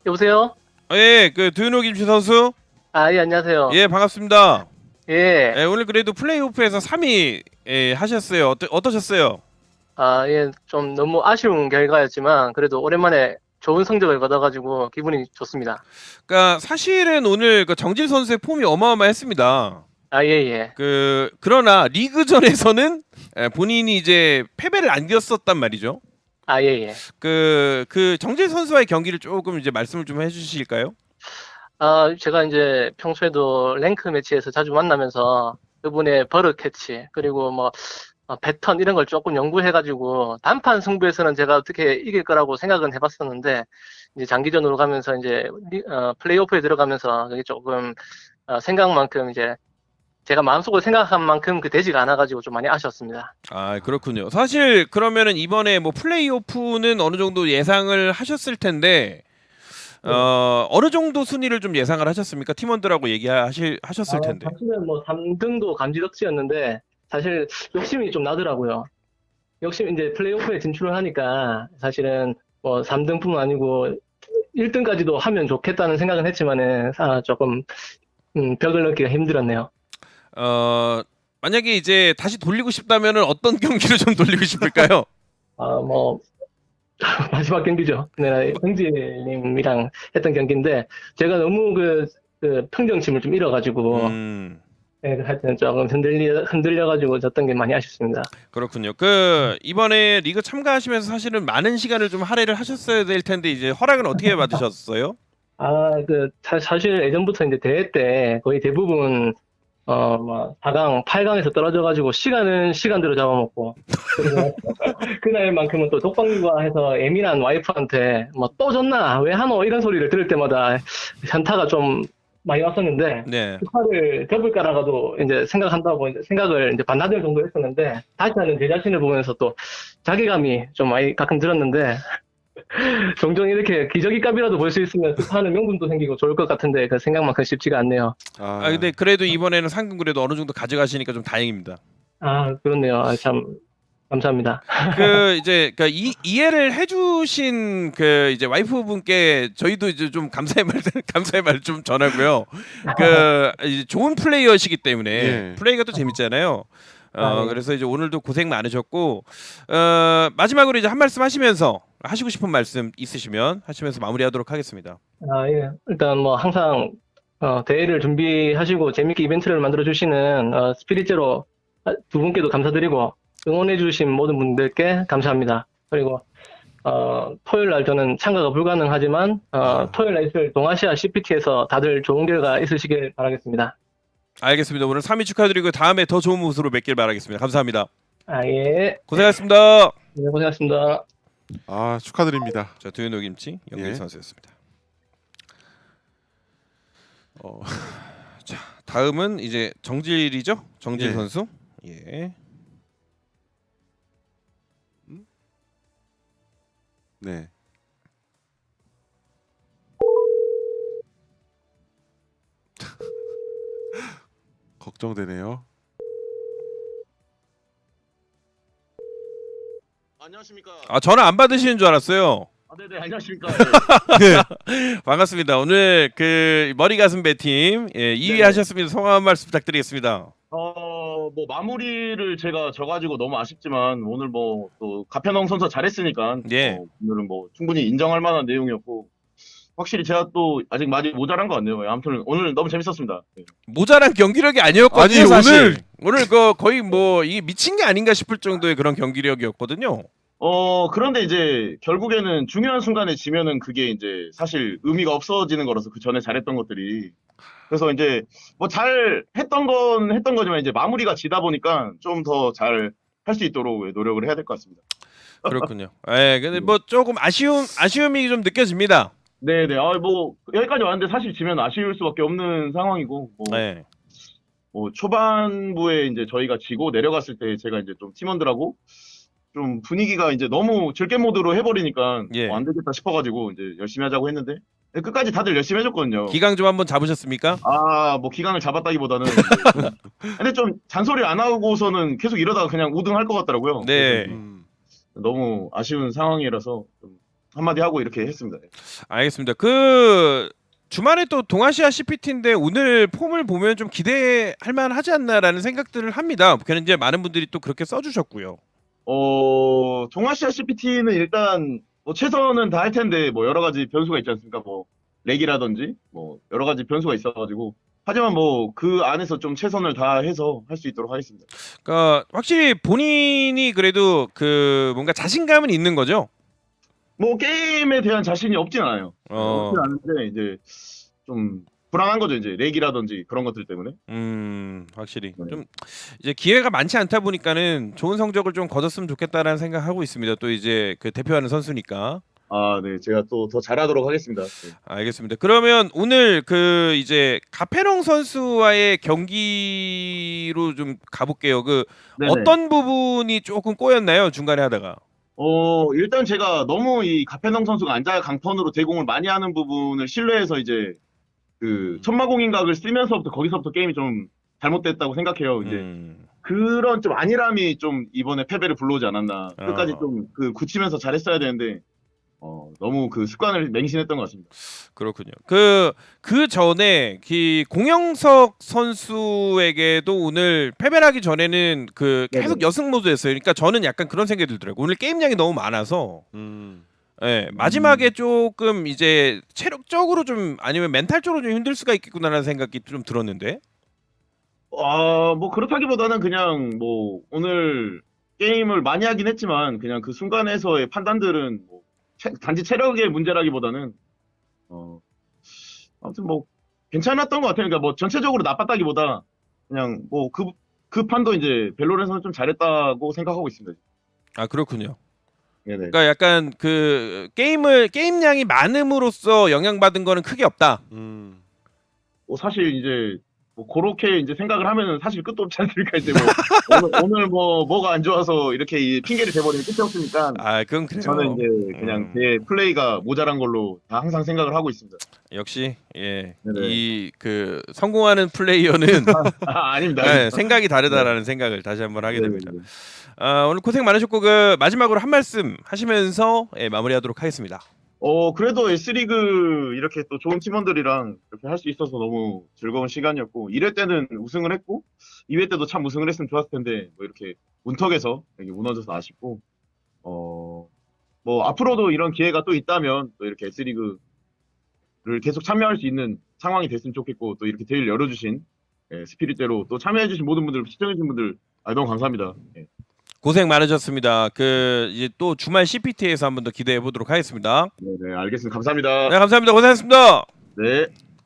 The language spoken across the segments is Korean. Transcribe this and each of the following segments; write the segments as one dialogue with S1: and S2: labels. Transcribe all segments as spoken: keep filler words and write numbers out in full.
S1: 여보세요?
S2: 아, 예, 그 두윤호 김치 선수.
S1: 아, 예, 안녕하세요.
S2: 예, 반갑습니다.
S1: 예.
S2: 예, 오늘 그래도 플레이오프에서 삼 위 예, 하셨어요. 어떠, 어떠셨어요?
S1: 아, 예, 좀 너무 아쉬운 결과였지만, 그래도 오랜만에 좋은 성적을 거둬가지고 기분이 좋습니다.
S2: 그러니까 사실은 오늘 그 정질 선수의 폼이 어마어마했습니다.
S1: 아, 예, 예.
S2: 그 그러나 리그전에서는 예, 본인이 이제 패배를 안겼었단 말이죠.
S1: 아, 예, 예.
S2: 그, 그 정질 선수와의 경기를 조금 이제 말씀을 좀 해주실까요?
S1: 아, 제가 이제 평소에도 랭크 매치에서 자주 만나면서 그분의 버릇 캐치, 그리고 뭐, 어, 패턴 이런 걸 조금 연구해가지고, 단판 승부에서는 제가 어떻게 이길 거라고 생각은 해봤었는데, 이제 장기전으로 가면서 이제, 리- 어, 플레이오프에 들어가면서 그게 조금, 어, 생각만큼 이제 제가 마음속으로 생각한 만큼 그 되지가 않아가지고 좀 많이 아쉬웠습니다.
S2: 아, 그렇군요. 사실 그러면은 이번에 뭐 플레이오프는 어느 정도 예상을 하셨을 텐데
S1: 네.
S2: 어, 어느 정도 순위를 좀 예상을 하셨습니까? 팀원들하고 얘기하실
S1: 아,
S2: 하셨을 텐데.
S1: 사실은 뭐 삼 등도 감지덕지였는데 사실 욕심이 좀 나더라고요. 욕심 이제 플레이오프에 진출을 하니까 사실은 뭐 삼 등뿐만 아니고 일 등까지도 하면 좋겠다는 생각은 했지만은 아, 조금 음, 벽을 넘기가 힘들었네요.
S2: 어, 만약에 이제 다시 돌리고 싶다면은 어떤 경기를 좀 돌리고 싶을까요?
S1: 아, 뭐 마지막 경기죠. 네, 형제님이랑 했던 경기인데 제가 너무 그, 그 평정심을 좀 잃어가지고
S2: 음,
S1: 네, 하여튼 조금 흔들려 흔들려가지고 졌던 게 많이 아쉽습니다.
S2: 그렇군요. 그 이번에 리그 참가하시면서 사실은 많은 시간을 좀 할애를 하셨어야 될 텐데 이제 허락은 어떻게 받으셨어요?
S1: 아, 그, 사, 사실 예전부터 이제 대회 때 거의 대부분, 어, 뭐, 사 강, 팔 강에서 떨어져가지고 시간은 시간대로 잡아먹고, 그리고 그날만큼은 또 독방육아 해서 예민한 와이프한테 뭐 또 졌나? 왜 하노? 이런 소리를 들을 때마다 현타가 좀 많이 왔었는데,
S2: 네.
S1: 그 화를 덮을까라고도 이제 생각한다고 이제 생각을 이제 반나절 정도 했었는데, 다시 하는 제 자신을 보면서 또 자괴감이 좀 많이 가끔 들었는데, 종종 이렇게 기저귀 값이라도 볼 수 있으면 스파하는 명분도 생기고 좋을 것 같은데 그 생각만큼 쉽지가 않네요.
S2: 아, 근데 그래도 이번에는 상금 그래도 어느 정도 가져가시니까 좀 다행입니다.
S1: 아, 그렇네요. 아, 참 감사합니다.
S2: 그 이제 그 이, 이해를 해주신 그 이제 와이프분께 저희도 이제 좀 감사의 말 감사의 말 좀 전하고요. 그 이제 좋은 플레이어시기 때문에
S3: 예.
S2: 플레이가 또 재밌잖아요. 어
S1: 아, 예.
S2: 그래서 이제 오늘도 고생 많으셨고 어 마지막으로 이제 한 말씀 하시면서 하시고 싶은 말씀 있으시면 하시면서 마무리하도록 하겠습니다.
S1: 아, 예. 일단 뭐 항상 어, 대회를 준비하시고 재밌게 이벤트를 만들어 주시는 어, 스피릿제로 두 분께도 감사드리고 응원해 주신 모든 분들께 감사합니다. 그리고 어, 토요일 날 저는 참가가 불가능하지만 어, 토요일 날 있을 동아시아 씨피티에서 다들 좋은 결과 있으시길 바라겠습니다.
S2: 알겠습니다. 오늘 삼 위 축하드리고 다음에 더 좋은 모습으로 뵙길 바라겠습니다. 감사합니다.
S1: 아, 예.
S2: 고생하셨습니다.
S1: 네, 고생하셨습니다.
S3: 아, 축하드립니다.
S2: 자, 두윤호 김치 영길
S3: 예.
S2: 선수였습니다. 어, 자, 다음은 이제 정질이죠? 정질
S3: 예.
S2: 선수. 예.
S3: 네. 걱정되네요.
S4: 안녕하십니까.
S2: 아, 전화 안 받으시는 줄 알았어요.
S4: 아, 네네, 안녕하십니까.
S2: 반갑습니다. 오늘 그 머리 가슴 배팀 예, 이 위
S4: 네네.
S2: 하셨습니다. 소감 한 말씀 부탁드리겠습니다.
S4: 어, 뭐 마무리를 제가 져가지고 너무 아쉽지만 오늘 뭐 또 가편홍 선수 잘했으니까
S2: 예.
S4: 어, 오늘은 뭐 충분히 인정할 만한 내용이었고 확실히 제가 또 아직 많이 모자란 것 같네요. 예, 아무튼 오늘 너무 재밌었습니다. 네.
S2: 모자란 경기력이 아니었거든요.
S3: 아니,
S2: 사실.
S3: 오늘-
S2: 오늘 그 거의 뭐 이게 미친 게 아닌가 싶을 정도의 그런 경기력이었거든요.
S4: 어, 그런데 이제 결국에는 중요한 순간에 지면은 그게 이제 사실 의미가 없어지는 거라서 그 전에 잘했던 것들이. 그래서 이제 뭐 잘 했던 건 했던 거지만 이제 마무리가 지다 보니까 좀 더 잘 할 수 있도록 노력을 해야 될 것 같습니다.
S2: 그렇군요. 예, 근데 뭐 조금 아쉬움 아쉬움이 좀 느껴집니다.
S4: 네네. 아, 뭐 여기까지 왔는데 사실 지면 아쉬울 수밖에 없는 상황이고 뭐,
S2: 예.
S4: 뭐 초반부에 이제 저희가 지고 내려갔을 때 제가 이제 좀 팀원들하고 좀 분위기가 이제 너무 즐겜 모드로 해버리니까
S2: 예.
S4: 뭐 안 되겠다 싶어가지고 이제 열심히 하자고 했는데 끝까지 다들 열심히 해줬거든요.
S2: 기강 좀 한번 잡으셨습니까?
S4: 아, 뭐 기강을 잡았다기보다는 근데 좀 잔소리 안 하고서는 계속 이러다가 그냥 우등 할 것 같더라고요.
S2: 네.
S4: 그래서
S3: 음.
S4: 너무 아쉬운 상황이라서 좀 한마디 하고 이렇게 했습니다.
S2: 알겠습니다. 그 주말에 또 동아시아 씨피티인데 오늘 폼을 보면 좀 기대할 만하지 않나라는 생각들을 합니다. 그냥 이제 많은 분들이 또 그렇게 써주셨고요.
S4: 어, 동아시아 씨피티는 일단 뭐 최선은 다 할 텐데 뭐 여러 가지 변수가 있지 않습니까? 뭐 렉이라든지 뭐 여러 가지 변수가 있어가지고 하지만 뭐 그 안에서 좀 최선을 다해서 할 수 있도록 하겠습니다.
S2: 그러니까 확실히 본인이 그래도 그 뭔가 자신감은 있는 거죠.
S4: 뭐 게임에 대한 자신이 없진 않아요.
S2: 어.
S4: 없진 않은데 이제 좀 불안한 거죠. 이제 렉이라든지 그런 것들 때문에.
S2: 음, 확실히
S4: 네.
S2: 좀 이제 기회가 많지 않다 보니까는 좋은 성적을 좀 거뒀으면 좋겠다라는 생각하고 있습니다. 또 이제 그 대표하는 선수니까.
S4: 아, 네. 제가 또 더 잘하도록 하겠습니다. 네.
S2: 알겠습니다. 그러면 오늘 그 이제 가페롱 선수와의 경기로 좀 가볼게요. 그
S4: 네네.
S2: 어떤 부분이 조금 꼬였나요? 중간에 하다가.
S4: 어, 일단 제가 너무 이 가페농 선수가 앉아 강턴으로 대공을 많이 하는 부분을 신뢰해서 이제 그 천마공인각을 쓰면서부터 거기서부터 게임이 좀 잘못됐다고 생각해요. 이제
S2: 음,
S4: 그런 좀 안일함이 좀 이번에 패배를 불러오지 않았나. 끝까지
S2: 어.
S4: 좀 그 굳히면서 잘했어야 되는데 어, 너무 그 습관을 맹신했던 것 같습니다.
S2: 그렇군요. 그, 그 전에 그 공영석 선수에게도 오늘 패배를 하기 전에는 그 계속
S4: 네네.
S2: 여승 모드였어요. 그러니까 저는 약간 그런 생각이 들더라고요. 오늘 게임량이 너무 많아서
S3: 음.
S2: 예, 마지막에 조금 이제 체력적으로 좀 아니면 멘탈적으로 좀 힘들 수가 있겠구나라는 생각이 좀 들었는데.
S4: 아, 뭐 그렇다기보다는 그냥 뭐 오늘 게임을 많이 하긴 했지만 그냥 그 순간에서의 판단들은 뭐 체- 단지 체력의 문제라기보다는 어, 아무튼 뭐 괜찮았던 것 같아요. 그러니까 뭐 전체적으로 나빴다기보다 그냥 뭐 그 그 판도 이제 벨로렌서는 좀 잘했다고 생각하고 있습니다.
S2: 아, 그렇군요.
S4: 네네.
S2: 그러니까 약간 그 게임을 게임량이 많음으로써 영향받은 거는 크게 없다.
S3: 음.
S4: 뭐 사실 이제 뭐 그렇게 이제 생각을 하면은 사실 끝도 없지 않습니까? 이제 뭐 오늘, 오늘 뭐 뭐가 안 좋아서 이렇게 이 핑계를 대버리면 끝이 없으니까
S2: 아, 그건 그래요.
S4: 저는 이제 그냥
S2: 음.
S4: 제 플레이가 모자란 걸로 다 항상 생각을 하고 있습니다.
S2: 역시 예,
S4: 네네.
S2: 이 그 성공하는 플레이어는
S4: 아, 아닙니다.
S2: 예, 생각이 다르다라는 생각을 다시 한번 하게 됩니다.
S4: 네네네.
S2: 아, 오늘 고생 많으셨고 그 마지막으로 한 말씀 하시면서 예, 마무리하도록 하겠습니다.
S4: 어, 그래도 S리그 이렇게 또 좋은 팀원들이랑 이렇게 할 수 있어서 너무 즐거운 시간이었고, 일 회 때는 우승을 했고, 이 회 때도 참 우승을 했으면 좋았을 텐데, 뭐 이렇게 문턱에서 이렇게 무너져서 아쉽고, 어, 뭐 앞으로도 이런 기회가 또 있다면, 또 이렇게 S리그를 계속 참여할 수 있는 상황이 됐으면 좋겠고, 또 이렇게 대회를 열어주신, 예, 스피릿대로 또 참여해주신 모든 분들, 시청해주신 분들, 아, 너무 감사합니다. 예.
S2: 고생 많으셨습니다. 그 이제 또 주말 씨피티에서 한 번 더 기대해 보도록 하겠습니다.
S4: 네, 네, 알겠습니다. 감사합니다.
S2: 네, 감사합니다. 고생하셨습니다.
S4: 네.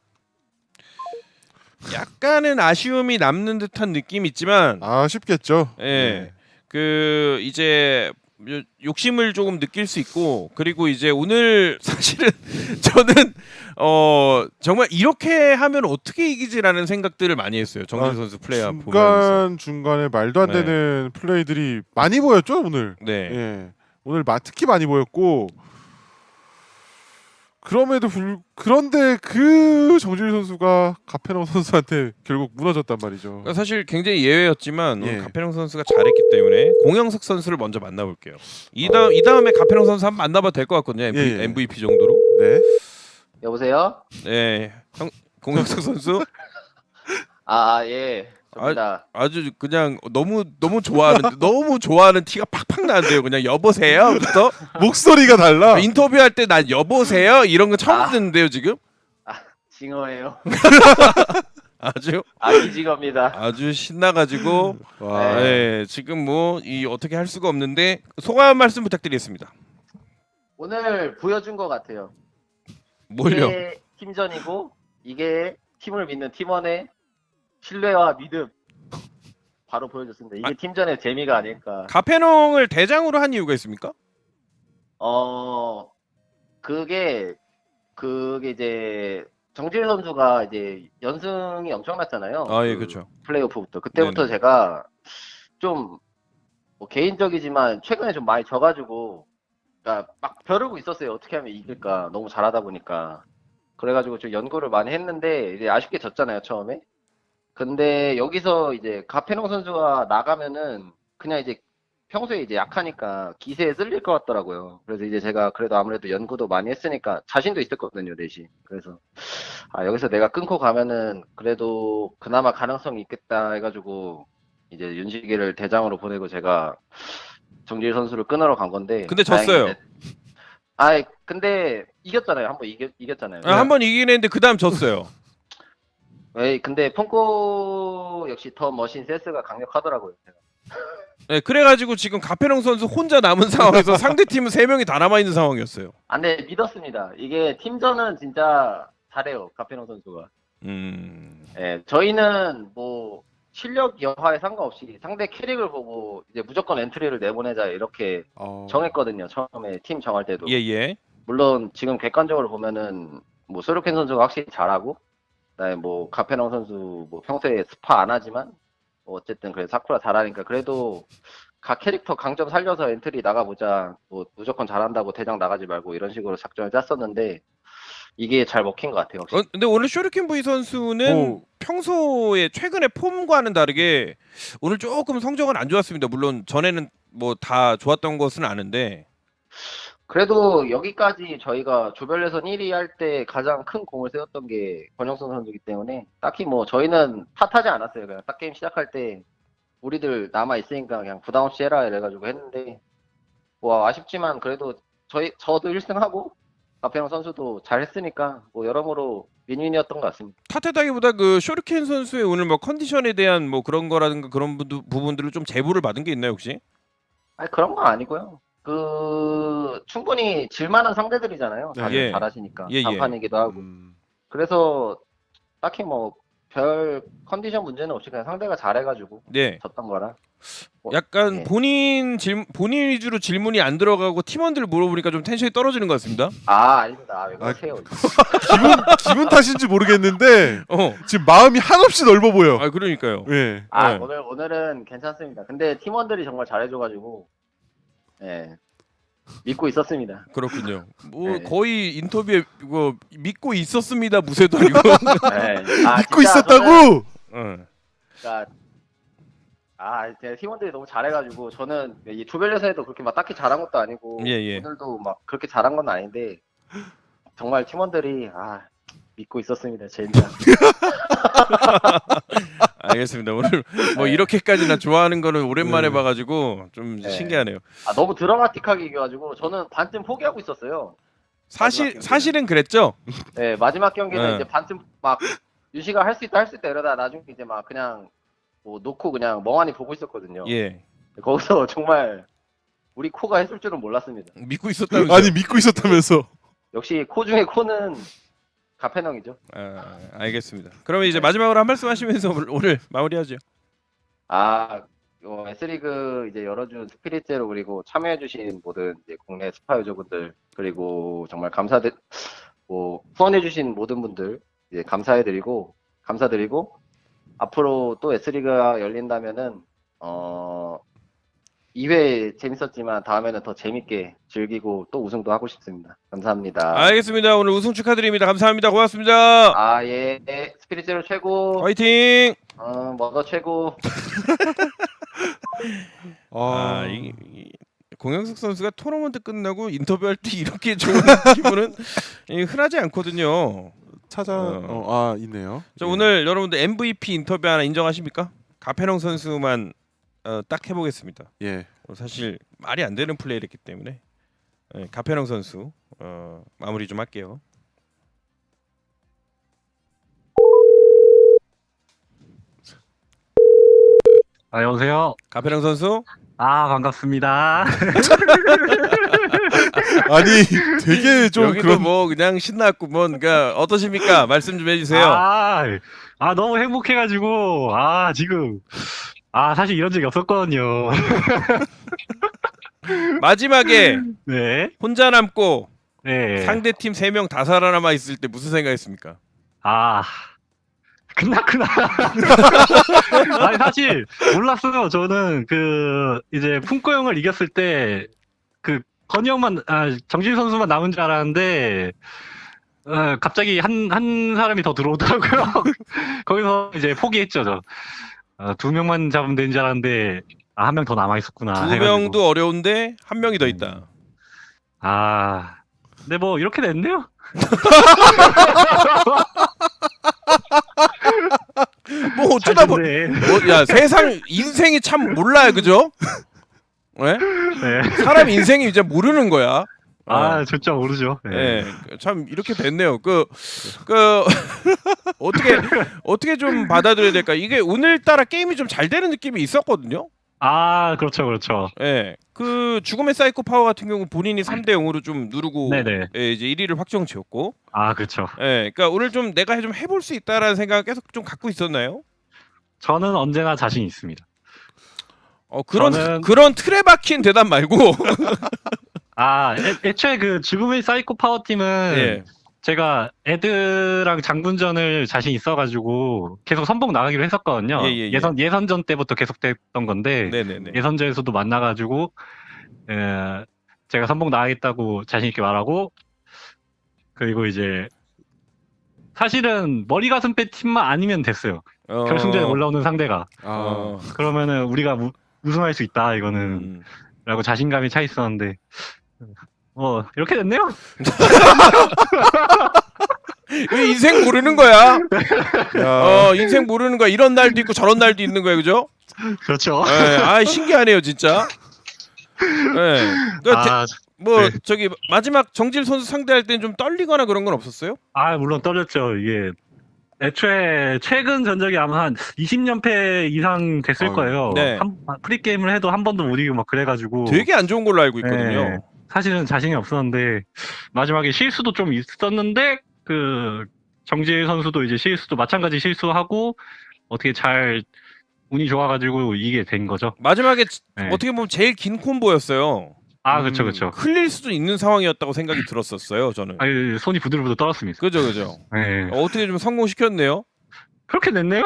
S2: 약간은 아쉬움이 남는 듯한 느낌이 있지만
S3: 아쉽겠죠.
S2: 예.
S3: 네.
S2: 그 이제 요- 욕심을 조금 느낄 수 있고 그리고 이제 오늘 사실은 저는 어 정말 이렇게 하면 어떻게 이기지라는 생각들을 많이 했어요. 정진
S3: 아,
S2: 선수 플레이어 보면서.
S3: 중간 중간에 말도 안
S2: 네.
S3: 되는 플레이들이 많이 보였죠 오늘.
S2: 네.
S3: 예. 오늘 마- 특히 많이 보였고 그럼에도 불 그런데 그 정준일 선수가 가페노 선수한테 결국 무너졌단 말이죠.
S2: 그러니까 사실 굉장히 예외였지만 오늘
S3: 예.
S2: 가페롱 선수가 잘했기 때문에 공영석 선수를 먼저 만나볼게요. 이 다음 이 다음에 가페롱 선수 한번 만나봐도 될 것 같거든요. 엠브이,
S3: 예, 예.
S2: 엠브이피 정도로.
S3: 네.
S5: 여보세요?
S2: 네, 형 공영석 선수
S5: 아, 아, 예. 접니다.
S2: 아주 그냥 너무 너무 좋아하는 너무 좋아하는 티가 팍팍 나는데요. 그냥 여보세요부터
S3: 목소리가 달라.
S2: 인터뷰할 때 난 여보세요 이런 거 처음
S5: 아.
S2: 듣는데요 지금.
S5: 징어예요.
S2: 아주
S5: 아기 징어입니다.
S2: 아주 신나가지고
S3: 와.
S2: 네, 지금 뭐 이 어떻게 할 수가 없는데 소감 한 말씀 부탁드리겠습니다.
S5: 오늘 보여준 것 같아요.
S2: 뭘요?
S5: 이게 팀전이고 이게 팀을 믿는 팀원의 신뢰와 믿음 바로 보여줬습니다. 이게
S2: 아.
S5: 팀전의 재미가 아닐까.
S2: 가페농을 대장으로 한 이유가 있습니까?
S5: 어, 그게 그게 이제 정질 선수가 이제 연승이 엄청났잖아요.
S2: 아, 예,
S5: 그
S2: 그렇죠.
S5: 플레이오프부터. 그때부터
S2: 네네.
S5: 제가 좀 뭐 개인적이지만 최근에 좀 많이 져가지고 그러니까 막 벼르고 있었어요. 어떻게 하면 이길까. 너무 잘하다 보니까. 그래가지고 좀 연구를 많이 했는데 이제 아쉽게 졌잖아요, 처음에. 근데 여기서 이제 가페농 선수가 나가면은 그냥 이제 평소에 이제 약하니까 기세에 쓸릴 것 같더라고요. 그래서 이제 제가 그래도 아무래도 연구도 많이 했으니까 자신도 있었거든요, 넷이. 그래서 아, 여기서 내가 끊고 가면은 그래도 그나마 가능성이 있겠다 해가지고 이제 윤식이를 대장으로 보내고 제가 정지일 선수를 끊으러 간 건데.
S2: 근데
S5: 다행히
S2: 졌어요.
S5: 이제- 아이, 근데 이겼잖아요. 한번 이겼, 이겼잖아요.
S2: 아, 한 번 이기긴 했는데 그 다음 졌어요.
S5: 에이, 근데 펑코 역시 더 머신 센스가 강력하더라고요. 제가.
S2: 네, 그래가지고 지금 가페롱 선수 혼자 남은 상황에서 상대 팀은 세 명이 다 남아 있는 상황이었어요.
S5: 아, 근데 믿었습니다. 이게 팀전은 진짜 잘해요. 가페노 선수가.
S2: 음,
S5: 예, 저희는 뭐 실력 여하에 상관없이 상대 캐릭을 보고 이제 무조건 엔트리를 내보내자 이렇게
S3: 어...
S5: 정했거든요. 처음에 팀 정할 때도.
S2: 예, 예.
S5: 물론 지금 객관적으로 보면은 뭐 소르켄 선수가 확실히 잘하고, 그다음에 뭐 가페농 선수 뭐 평소에 스파 안 하지만 뭐 어쨌든 그래 사쿠라 잘하니까 그래도 각 캐릭터 강점 살려서 엔트리 나가보자. 뭐 무조건 잘한다고 대장 나가지 말고 이런 식으로 작전을 짰었는데 이게 잘 먹힌 것 같아요. 확실히.
S2: 어, 근데 오늘 쇼리켄 V 선수는
S3: 뭐-
S2: 평소에 최근에 폼과는 다르게 오늘 조금 성적은 안 좋았습니다. 물론 전에는 뭐 다 좋았던 것은 아는데.
S5: 그래도 여기까지 저희가 조별 예선 일 위 할 때 가장 큰 공을 세웠던 게 권영선 선수이기 때문에 딱히 뭐 저희는 탓하지 않았어요. 그냥 딱 게임 시작할 때 우리들 남아 있으니까 그냥 부담 없이 해라 이래가지고 했는데 뭐 아쉽지만 그래도 저희 저도 일 등 하고 가페영 선수도 잘 했으니까 뭐 여러모로 윈윈이었던 것 같습니다.
S2: 탓하다기보다 그 쇼리켄 선수의 오늘 뭐 컨디션에 대한 뭐 그런 거라든가 그런 부분- 부분들을 좀 제보를 받은 게 있나요 혹시?
S5: 아니 그런 건 아니고요. 그 충분히 질만한 상대들이잖아요. 다들
S2: 예.
S5: 잘하시니까
S2: 예, 예.
S5: 단판이기도 하고.
S3: 음...
S5: 그래서 딱히 뭐 별 컨디션 문제는 없이 그냥 상대가 잘해가지고
S2: 네.
S5: 졌던 거라. 뭐,
S2: 약간
S5: 예.
S2: 본인 질 본인 위주로 질문이 안 들어가고 팀원들 물어보니까 좀 텐션이 떨어지는 것 같습니다.
S5: 아 아닙니다. 아, 왜
S3: 아,
S5: 그러세요?
S3: 기분 기분 탓인지 모르겠는데
S2: 어.
S3: 지금 마음이 한없이 넓어 보여.
S2: 아 그러니까요.
S3: 예.
S5: 아
S2: 네.
S5: 오늘 오늘은 괜찮습니다. 근데 팀원들이 정말 잘해줘가지고 예 믿고 있었습니다.
S2: 그렇군요. 뭐
S5: 네.
S2: 거의 인터뷰에 이거 믿고 있었습니다 무쇠도 아니고.
S5: 예. 아,
S3: 믿고
S5: 진짜
S3: 있었다고.
S5: 저는,
S2: 어.
S5: 그러니까 아 제 팀원들이 너무 잘해가지고 저는 이 조별 예선에도 그렇게 막 딱히 잘한 것도 아니고
S2: 예, 예.
S5: 오늘도 막 그렇게 잘한 건 아닌데 정말 팀원들이 아 믿고 있었습니다. 진짜.
S2: 알겠습니다. 오늘 뭐
S5: 네.
S2: 이렇게까지나 좋아하는 거는 오랜만에
S3: 네.
S2: 봐가지고 좀
S5: 네.
S2: 신기하네요.
S5: 아 너무 드라마틱하게 이겨가지고 저는 반쯤 포기하고 있었어요.
S2: 사실
S5: 마지막
S2: 사실은 그랬죠.
S5: 네 마지막 경기는
S2: 네.
S5: 이제 반쯤 막 윤씨가 할 수 있다 할 수 있다 이러다 나중에 이제 막 그냥 뭐 놓고 그냥 멍하니 보고 있었거든요.
S2: 예.
S5: 거기서 정말 우리 코가 했을 줄은 몰랐습니다.
S2: 믿고 있었다면서.
S3: 아니 믿고 있었다면서.
S5: 역시 코 중에 코는 가페농이죠.
S2: 아, 알겠습니다. 그러면 이제 마지막으로 한 말씀 하시면서 오늘- 오늘 마무리하죠.
S5: 아 어, S리그 이제 열어준 스피릿 제로 그리고 참여해주신 모든 이제 국내 스파 유저분들 그리고 정말 감사드 뭐 후원해주신 모든 분들 이제 감사해드리고 감사드리고 앞으로 또 S리그가 열린다면은 어 이 회 재밌었지만 다음에는 더 재밌게 즐기고 또 우승도 하고 싶습니다. 감사합니다.
S2: 알겠습니다. 오늘 우승 축하드립니다. 감사합니다. 고맙습니다.
S5: 아 예, 예. 스피릿 제로 최고.
S2: 화이팅!
S5: 어 머더 최고.
S2: 아,
S3: 아,
S2: 이, 이 공영석 선수가 토너먼트 끝나고 인터뷰할 때 이렇게 좋은 기분은 이, 흔하지 않거든요.
S3: 찾아.
S2: 어.
S3: 어, 아 있네요.
S2: 자,
S3: 예.
S2: 오늘 여러분들 엠브이피 인터뷰 하나 인정하십니까? 가페농 선수만 어, 딱 해보겠습니다.
S3: 예.
S2: 어, 사실 말이 안 되는 플레이를 했기 때문에 예, 가페농 선수 어, 마무리 좀 할게요.
S6: 아, 여보세요?
S2: 가페농 선수
S6: 아, 반갑습니다.
S3: 아니 되게 좀
S2: 여기도
S3: 그런.
S2: 뭐 그냥 신났고 뭔가 어떠십니까? 말씀 좀 해주세요.
S6: 아, 아, 너무 행복해가지고, 아, 지금, 아, 사실 이런 적이 없었거든요.
S2: 마지막에
S6: 네,
S2: 혼자 남고
S6: 네.
S2: 상대 팀 세 명 다 살아남아 있을 때 무슨 생각했습니까?
S6: 아, 끝났구나. 아니, 사실, 몰랐어요. 저는, 그, 이제, 품코 형을 이겼을 때, 그, 건이 형만, 아, 정진 선수만 남은 줄 알았는데, 어, 갑자기 한, 한 사람이 더 들어오더라고요. 거기서 이제 포기했죠, 저. 어, 두 명만 잡으면 되는 줄 알았는데, 아, 한 명 더 남아 있었구나.
S2: 두
S6: 해가지고.
S2: 명도 어려운데 한 명이 더 있다.
S6: 아, 근데 뭐 이렇게 됐네요.
S2: 뭐
S6: 잘
S2: 어쩌다 보,
S6: 됐네.
S2: 뭐, 야 세상 인생이 참 몰라요, 그죠? 네?
S6: 네.
S2: 사람 인생이 이제 모르는 거야.
S6: 아, 진짜 모르죠. 네.
S2: 예, 참 이렇게 됐네요. 그, 그 어떻게 어떻게 좀 받아들여야 될까? 이게 오늘따라 게임이 좀 잘 되는 느낌이 있었거든요.
S6: 아, 그렇죠, 그렇죠.
S2: 예, 그 죽음의 사이코 파워 같은 경우 본인이 삼 대 영으로 좀 누르고
S6: 네네.
S2: 예, 이제 일 위를 확정 지었고,
S6: 아, 그렇죠.
S2: 예, 그러니까 오늘 좀 내가 좀 해볼 수 있다라는 생각 계속 좀 갖고 있었나요?
S6: 저는 언제나 자신 있습니다.
S2: 어 그런
S6: 저는-
S2: 그런 틀에 박힌 대답 말고,
S6: 아, 애, 애초에 그 죽음의 사이코 파워 팀은
S2: 예,
S6: 제가 애드랑 장군전을 자신 있어가지고 계속 선봉 나가기로 했었거든요.
S2: 예, 예, 예.
S6: 예선 예선전 때부터 계속됐던 건데
S2: 네네네.
S6: 예선전에서도 만나가지고 에, 제가 선봉 나가겠다고 자신 있게 말하고, 그리고 이제 사실은 머리 가슴 빼 팀만 아니면 됐어요.
S2: 어,
S6: 결승전에 올라오는 상대가.
S3: 아,
S2: 어,
S6: 그러면은 우리가 우, 우승할 수 있다 이거는
S2: 음.
S6: 라고 자신감이 차 있었는데 뭐 이렇게 됐네요.
S2: 왜 인생 모르는 거야?
S3: 야,
S2: 어, 인생 모르는 거야. 이런 날도 있고 저런 날도 있는 거야, 그죠?
S6: 그렇죠.
S2: 예, 아 신기하네요, 진짜. 예, 그
S6: 아,
S2: 뭐
S6: 네.
S2: 저기 마지막 정질 선수 상대할 땐 좀 떨리거나 그런 건 없었어요?
S6: 아 물론 떨렸죠. 이게 애초에 최근 전적이 아마 한 이십 연패 이상 됐을
S3: 아유,
S6: 거예요.
S2: 네.
S6: 한, 프리게임을 해도 한 번도 못 이기고 막 그래가지고
S2: 되게 안 좋은 걸로 알고 있거든요.
S6: 네. 사실은 자신이 없었는데 마지막에 실수도 좀 있었는데 그 정지일 선수도 이제 실수도 마찬가지 실수하고 어떻게 잘 운이 좋아가지고 이게 된 거죠.
S2: 마지막에 지-
S6: 네.
S2: 어떻게 보면 제일 긴 콤보였어요.
S6: 아
S3: 음.
S6: 그렇죠 그렇죠.
S2: 흘릴 수도 있는 상황이었다고 생각이 들었었어요, 저는.
S6: 아유 손이 부들부들 떨었습니다.
S2: 그죠, 그죠.
S6: 네.
S2: 어, 어떻게 좀 성공시켰네요.
S6: 그렇게 됐네요.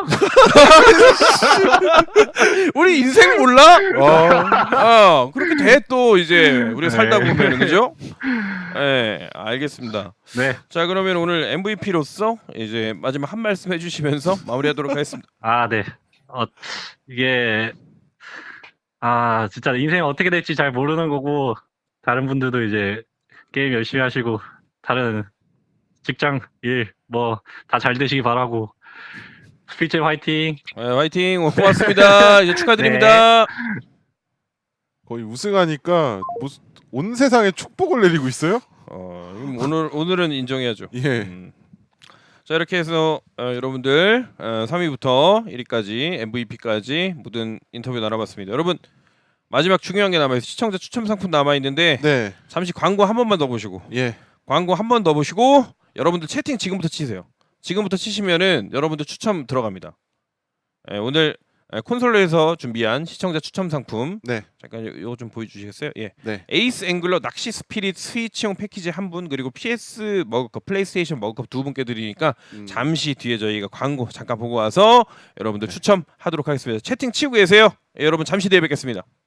S2: 우리 인생 몰라?
S3: 아,
S2: 어, 그렇게 돼 또 이제 우리 살다
S6: 네.
S2: 보면, 그죠? 예, 알겠습니다.
S6: 네.
S2: 자, 그러면 오늘 엠브이피로서 이제 마지막 한 말씀 해주시면서 마무리하도록 하겠습니다.
S6: 아 네. 어 이게 아 진짜 인생 어떻게 될지 잘 모르는 거고 다른 분들도 이제 게임 열심히 하시고 다른 직장 일 뭐 다 잘 되시기 바라고 스피치 화이팅.
S2: 네, 화이팅. 고맙습니다. 이제 축하드립니다.
S3: 거의 우승하니까 무슨 온 세상에 축복을 내리고 있어요?
S2: 어, 그럼 오늘 오늘은 인정해야죠.
S3: 예.
S2: 음. 자, 이렇게 해서 어, 여러분들 어, 삼 위부터 일 위까지 엠브이피까지 모든 인터뷰 나눠봤습니다. 여러분 마지막 중요한 게 남아있어요. 시청자 추첨 상품 남아있는데
S3: 네.
S2: 잠시 광고 한 번만 더 보시고
S3: 예.
S2: 광고 한 번 더 보시고 여러분들 채팅 지금부터 치세요. 지금부터 치시면은 여러분들 추첨 들어갑니다. 예, 오늘 예, 콘솔로에서 준비한 시청자 추첨 상품
S3: 네.
S2: 잠깐 요- 요거 좀 보여주시겠어요? 예.
S3: 네.
S2: 에이스 앵글러 낚시 스피릿 스위치용 패키지 한 분, 그리고 피에스 머그컵 플레이스테이션 머그컵 두 분께 드리니까
S3: 음.
S2: 잠시 뒤에 저희가 광고 잠깐 보고 와서 여러분들 추첨하도록 하겠습니다. 채팅 치고 계세요. 예, 여러분 잠시 뒤에 뵙겠습니다.